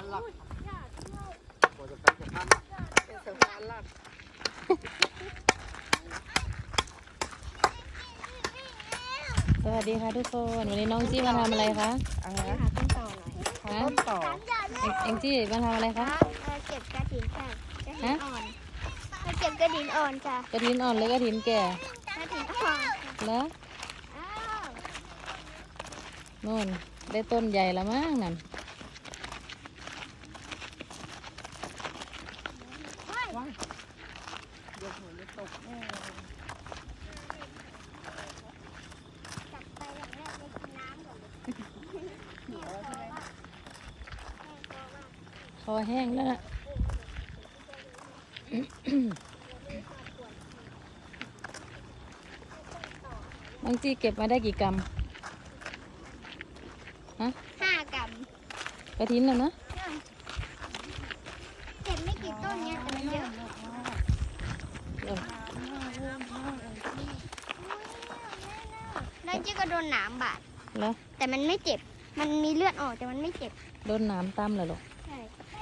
หลักพอจะไปจะทำเป็นสะพานหลักสวัสดีค่ะทุกคนวันนี้น้องจี้มาทำอะไรคะอะไรนะหาต้นต่อหน่อยฮะต้นต่อเอ็งจี้มาทำอะไรคะเก็บกระถินค่ะกระถินอ่อนมาเก็บกระถินอ่อนจ้ะกระถินอ่อนหรือกระถินแก่กระถินอ่อนแล้วอ้าวนู่นได้ต้นใหญ่ละมั้งนั่นว้ายเดี๋ยวหัวจะตกแน่จับไปอย่างแรกไปกินน้ำก่อนเลยเหนียวใช่ไหมคอแห้งแล้วนะ น้องจี้เก็บมาได้กี่กรัมฮะ 5 กรัมกระถินน่ะนะเก็บไม่กี่ต้นเนี่ยแต่มันเยอะเออนั่นจิ๊กก็โดนหนามบาดแล้วแต่มันไม่เจ็บ มันมีเลือดออกแต่มันไม่เจ็บโดนหนามตำเหรอลูกใช่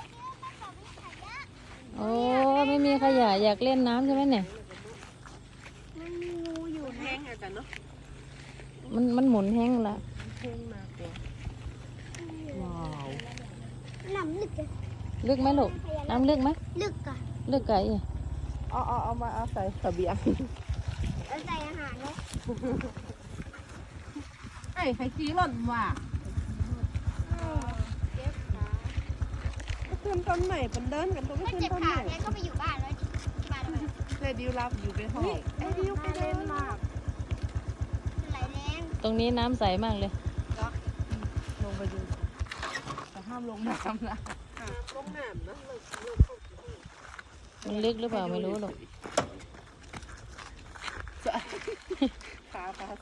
โอ้ไม่มีขยะอยากเล่นน้ำใช่ไหมเนี่ยมันมีงูอยู่แห้นะงอาจารย์เนาะมันหมุนแห้งละแห้งมากเลยว้าวน้ำลึกอะลึกไหมลูกน้ำลึกไหมลึกอะลึกไก่อะเอามาเอาใส่เสบียงแล้วใส่อาหารเนาะไอ้ใครขี้หล่นว่ะก็ขึ้นต้นใหม่เป็นเดินกันตัวก็ถ้าขึ้นเจ็บต้นขาใหม่เนี่ยก็ไปอยู่บ้านแล้วดิที่บ้านเราเลยดิวรับอยู่ไปห้องไอ้ดิวไปเล่นมากไหลแรงตรงนี้น้ำใสมากเลยลงไปดูแต่ห้ามลงน้ำนะลงน้ำนะมันลึกหรือเปล่าไม่รู้หรอกขา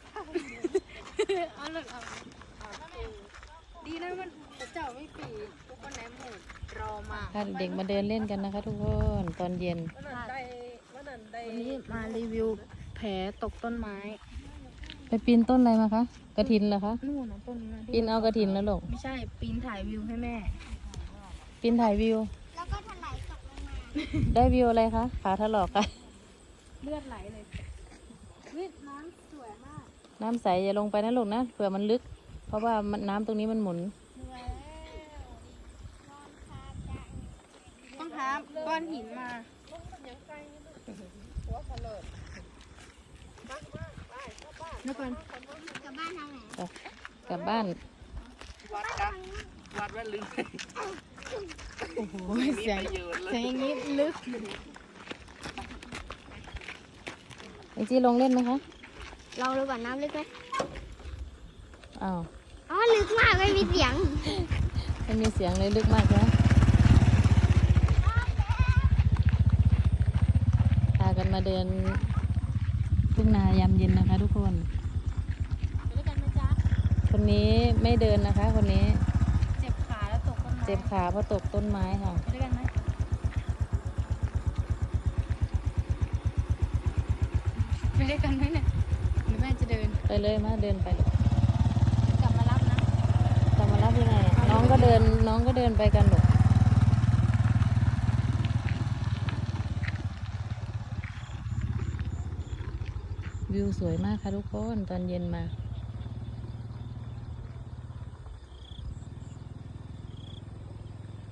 เอาเลยเอาดีนะมันเจ้าไม่ปีทุกคนไหนหมดรอมาพาเด็กมาเดินเล่นกันนะคะทุกคนตอนเย็นวันนี้มารีวิวแผลตกต้นไม้ไปปีนต้นอะไรมาคะกระถินเหรอคะนู่นนะต้นนั้นปีนเอากระถินแล้วลูกไม่ใช่ปีนถ่ายวิวให้แม่ปีนถ่ายวิวแล้วก็ถลายตกลงมาได้วิวอะไรคะขาถลอกค่ะเลือดไหลเลยวิน้ำสวยมากน้ำใสอย่าลงไปนะลูกนะเผื่อมันลึก เพราะว่าน้ำตรงนี้มันหมุนเหนื่อยแล้วนอนคาจังต้องหาก้อนหินมา แล้วก่อนกลับบ้านทางไหนกลับบ้านวัดกันวัดว่าลึกโอ้โหเสียงประโยชน์เลยเสียงอย่างนี้ลึกไอจี้ลงเล่นไหมคะลองดูก่อนน้ำลึกไหมอ้าวอ๋อลึกมากไม่มีเสียงไม่มีเสียงเลยลึกมากนะพากันมาเดินทุ่งนายามเย็นนะคะ ทุกคนไปด้วยกันไหมจ๊ะคนนี้ไม่เดินนะคะ คนนี้เจ็บขาแล้วตกต้นไม้เจ็บขาเพราะตกต้นไม้ค่ะไปด้วยกันไหมไปด้วยกันไหมเนี่ยหรือแม่จะเดินไปเลยมาเดินไปเลยกลับมารับนะจะมารับยังไงน้องก็เดินไปกันหรอกวิวสวยมากค่ะทุกคนตอนเย็นมา